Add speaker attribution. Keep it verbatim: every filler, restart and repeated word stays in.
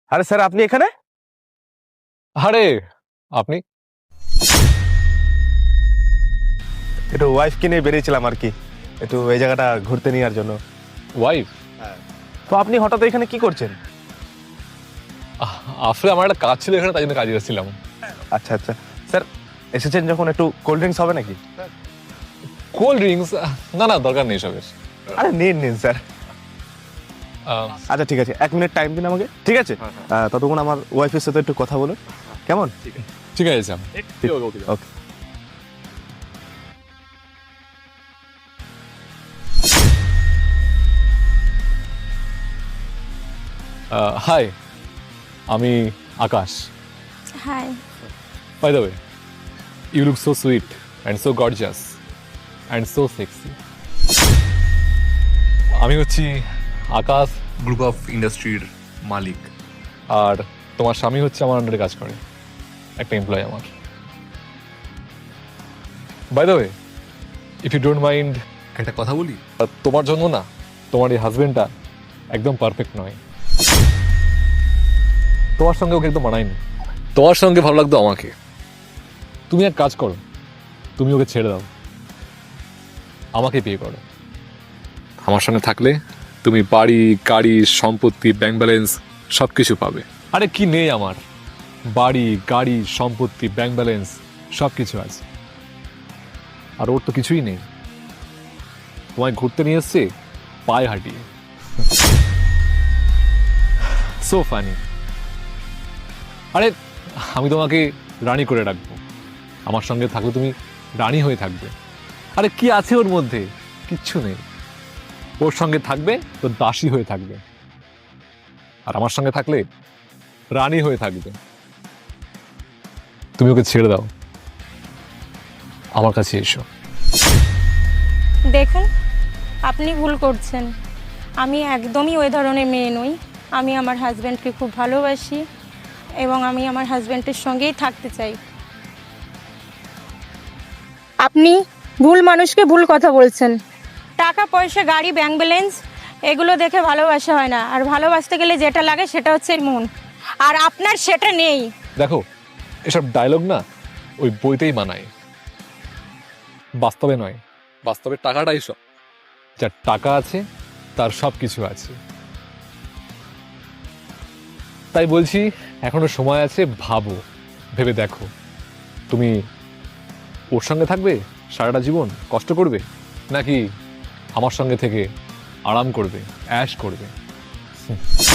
Speaker 1: আরে স্যার, আপনি এখানে?
Speaker 2: আরে আপনি?
Speaker 1: একটু ওয়াইফকে নিয়ে বেরিয়েছিলাম আর কি, একটু এই জায়গাটা ঘুরতে নেওয়ার জন্য।
Speaker 2: ওয়াইফ?
Speaker 1: তো আপনি হঠাৎ এখানে কি করছেন?
Speaker 2: আসলে আমার একটা কাজ ছিল এখানে, তাই জন্য কাজে এসেছিলাম।
Speaker 1: আচ্ছা আচ্ছা স্যার, এসেছেন যখন একটু কোল্ড ড্রিঙ্কস হবে নাকি?
Speaker 2: Cold drinks? না না, দরকার নেই সবের।
Speaker 1: আরে নিন নিন স্যার।
Speaker 2: আহ,
Speaker 1: আচ্ছা ঠিক আছে, এক মিনিট টাইম দিন আমাকে, ঠিক আছে? আহ, ততক্ষণ আমার ওয়াইফের সাথে একটু কথা বলুন, কেমন?
Speaker 2: ঠিক আছে স্যার।
Speaker 1: ওকে।
Speaker 2: হাই, আমি Akash.
Speaker 3: Hi.
Speaker 2: By the way, you look so sweet and so gorgeous and so sexy. আমি হচ্ছি আকাশ
Speaker 4: গ্রুপ অফ ইন্ডাস্ট্রির মালিক।
Speaker 2: আর তোমার স্বামী হচ্ছে আমার আন্ডারে কাজ করে, একটা এমপ্লয় আমার। By the way, if you don't mind,
Speaker 4: একটা কথা বলি,
Speaker 2: তোমার জন্য না, তোমার এই হাজবেন্ডটা একদম পারফেক্ট নয়। তোমার সঙ্গে ওকে একদম মানায়নি। তোমার সঙ্গে ভালো লাগতো আমাকে। তুমি এক কাজ করো, তুমি ওকে ছেড়ে দাও, আমাকে বিয়ে করো। আমার সঙ্গে থাকলে তুমি বাড়ি, গাড়ি, সম্পত্তি, ব্যাংক ব্যালেন্স সব কিছু পাবে। আরে কি নেই আমার? বাড়ি, গাড়ি, সম্পত্তি, ব্যাংক ব্যালেন্স সব কিছু আছে। আর ওর তো কিছুই নেই। তোমায় ঘুরতে নিয়ে এসছে পায়ে হাঁটিয়ে। So funny. আরে আমি তোমাকে রানী করে রাখবো, আমার সঙ্গে থাকলে তুমি রানী হয়ে থাকবে। আরে কি আছে ওর মধ্যে? কিচ্ছু নেই। ওর সঙ্গে থাকবে তো দাসী হয়ে থাকবে, আর আমার সঙ্গে থাকলে রানী হয়ে থাকবে। তুমি ওকে ছেড়ে দাও, আমার কাছে এসো।
Speaker 3: দেখুন, আপনি ভুল করছেন। আমি একদমই ওই ধরনের মেয়ে নই। আমি আমার হাজব্যান্ডকে খুব ভালোবাসি এবং আমি আমার হাজব্যান্ডের সঙ্গেই থাকতে চাই। আপনি ভুল মানুষকে ভুল কথা বলছেন। টাকা পয়সা, গাড়ি, ব্যাংক ব্যালেন্স এগুলো দেখে ভালোবাসা হয় না। আর ভালোবাসতে গেলে যেটা লাগে সেটা হচ্ছে মন, আর আপনার সেটা নেই।
Speaker 2: দেখো, এসব ডায়লগ না ওই বইতেই মানায়, বাস্তবে নয়। বাস্তবে টাকাটাই সব। যার টাকা আছে তার সব কিছু আছে। তাই বলছি, এখনো সময় আছে, ভাবো, ভেবে দেখো, তুমি ওর সঙ্গে থাকবে সারাটা জীবন, কষ্ট করবে, নাকি আমার সঙ্গে থেকে আরাম করবে, অ্যাশ করবে। হুম।